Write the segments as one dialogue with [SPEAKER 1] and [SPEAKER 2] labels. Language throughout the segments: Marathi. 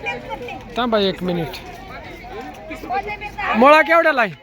[SPEAKER 1] थांबा 1 मिनिट. मुळा केवढ्याला आहे?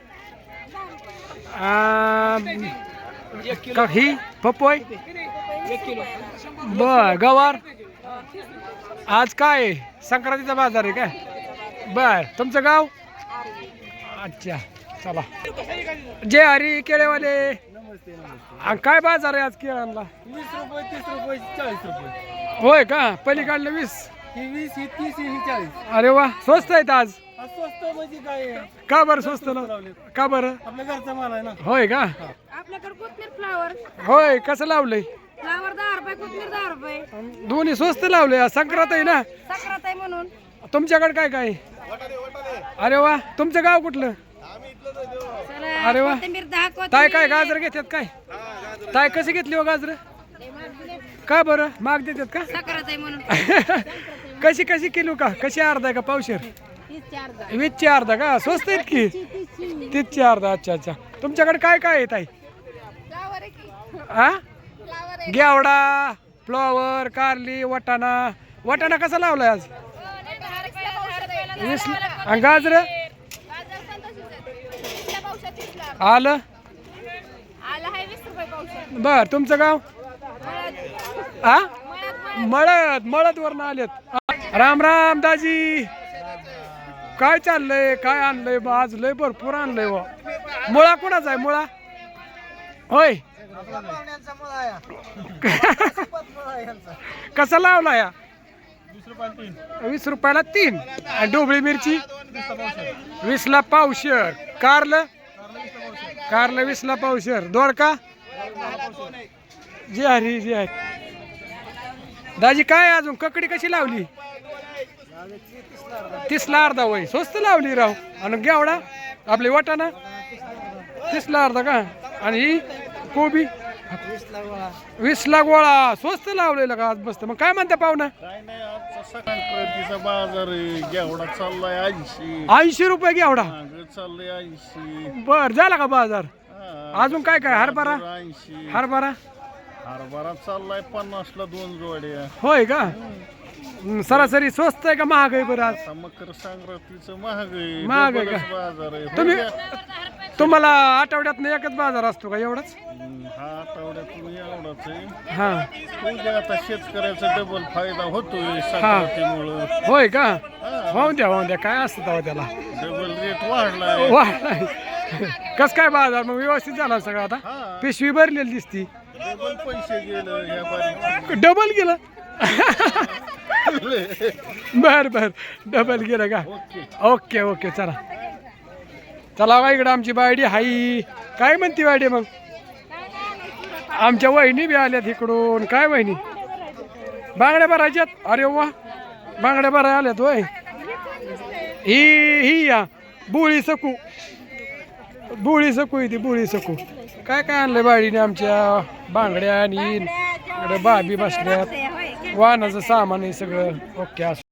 [SPEAKER 1] ही पपई
[SPEAKER 2] 1 किलो.
[SPEAKER 1] बर. गवार आज काय संक्रांतीचा बाजार आहे काय? बर. तुमचं गाव? अच्छा चला. जे हरी केळेवाले काय बाजार आहे आज केळांना?
[SPEAKER 2] 20 रुपये, 30 रुपये, 40 रुपये.
[SPEAKER 1] होय का? पलीकडलं 20.
[SPEAKER 2] ही 20, ही 30, ही 40.
[SPEAKER 1] अरे वा, स्वस्त आहेत आज.
[SPEAKER 2] स्वस्त म्हणजे काय?
[SPEAKER 1] का बरं स्वस्त का बरं?
[SPEAKER 2] आपल्या घरचा माल आहे ना.
[SPEAKER 1] होय का?
[SPEAKER 3] आपल्याकडे कोथमीर फ्लावर
[SPEAKER 1] होय. कसं लावलंय?
[SPEAKER 3] फ्लावर 10 रुपये, कोथमीर 10 रुपये.
[SPEAKER 1] दोन्ही स्वस्त लावले. संक्रांत आहे ना.
[SPEAKER 3] संक्रांत आहे म्हणून.
[SPEAKER 1] तुमच्याकडे काय काय? अरे वा. तुमचं गाव कुठलं?
[SPEAKER 3] चला,
[SPEAKER 1] अरे वा.
[SPEAKER 3] कोथिंबीर 10
[SPEAKER 1] ताय काय गाजर घेतात काय? ताय कशी घेतली हो गाजर? का बरं माग देतात का?
[SPEAKER 3] संक्रांत आहे म्हणून.
[SPEAKER 1] कशी कशी किलो का? कशी अर्धा का पावशेर? 20ची अर्धा का? स्वस्त आहेत की? 30ची अर्धा. अच्छा अच्छा. तुमच्याकडे काय काय येत आहे?
[SPEAKER 3] फ्लावर आहे की?
[SPEAKER 1] हा,
[SPEAKER 3] फ्लावर आहे.
[SPEAKER 1] घेवडा, फ्लॉवर, कारली, वाटाणा. वाटाणा कसा लावलाय आज? 20. आणि गाजर आलं?
[SPEAKER 3] आला आहे 20 रुपये पावशेर.
[SPEAKER 1] बर. तुमचं गाव? हा, मळद वरनं आलेत. राम राम दाजी. काय चाललंय? काय आणलंय? आज लय भरपूर आणलंय व. मुळा कोणाचा आहे? मुळा होय. कसा लावला या? 20 रुपयाला 3. आणि ढोबळी मिरची 20ला पावशेर. कारलं 20ला पावशेर. दोडका जी हरी जी आहे. दाजी काय अजून ककडी कशी लावली? 30ला अर्धा. वय स्वस्त लावली राव. आणि घेवडा आपली वाटाणा 30ला अर्धा का? आणि ही कोबी 20ला गोळा. स्वस्त लावलेला का आज? बसत. मग काय म्हणता पाहुणा?
[SPEAKER 4] काय नाही, आजचा संक्रांतीचा बाजार आहे. घेवडा चाललाय 80.
[SPEAKER 1] 80 रुपये घेवडा.
[SPEAKER 4] मागं चाललंय 80.
[SPEAKER 1] बर. झाला का बाजार?
[SPEAKER 4] हा.
[SPEAKER 1] अजून काय काय? हरभरा
[SPEAKER 4] 80.
[SPEAKER 1] हरभरा
[SPEAKER 4] हरभरा चाललाय 50ला 2 जोड्या.
[SPEAKER 1] होय का? सरासरी स्वस्त आहे का महाग आहे बरं आज?
[SPEAKER 4] आता मकर संक्रांतीचं महाग आहे.
[SPEAKER 1] महाग आहे का?
[SPEAKER 4] डबलच बाजार आहे.
[SPEAKER 1] तुम्ही
[SPEAKER 4] हो द्या.
[SPEAKER 1] तुम्हाला आठवड्यातनं एकच बाजार असतो का एवढाच?
[SPEAKER 4] हा आठवड्यातून एवढाच आहे.
[SPEAKER 1] हा.
[SPEAKER 4] उद्या आता शेतकऱ्याचा डबल फायदा होतोय संक्रांतीमुळं.
[SPEAKER 1] होय का? होऊन द्या काय असतं तेव्हा त्याला.
[SPEAKER 4] डबल रेट वाढलाय.
[SPEAKER 1] वा. कस काय बाजार मग व्यवस्थित झाला सगळं आता?
[SPEAKER 4] हा.
[SPEAKER 1] पिशवी भरलेली दिसती.
[SPEAKER 4] डबल पैसे गेलं ह्या बारीक.
[SPEAKER 1] डबल गेलं. बर डबल गेलं का? Okay okay. चला चला बा. इकडं आमची बायडी हाई. काय म्हणती बायडी मग? आमच्या वहिनी बी आल्यात इकडून. काय वहिनी? बांगड्या भरायच्यात? अरे वा. बांगड्या भराय आल्यात होय. ही या बुळी सकू ती बुळी सकू. काय काय आणलंय बायडीने आमच्या? बांगड्या आणि इकडे बाबी बसल्यात. वाहनाचं सामान आहे सगळं. ओके.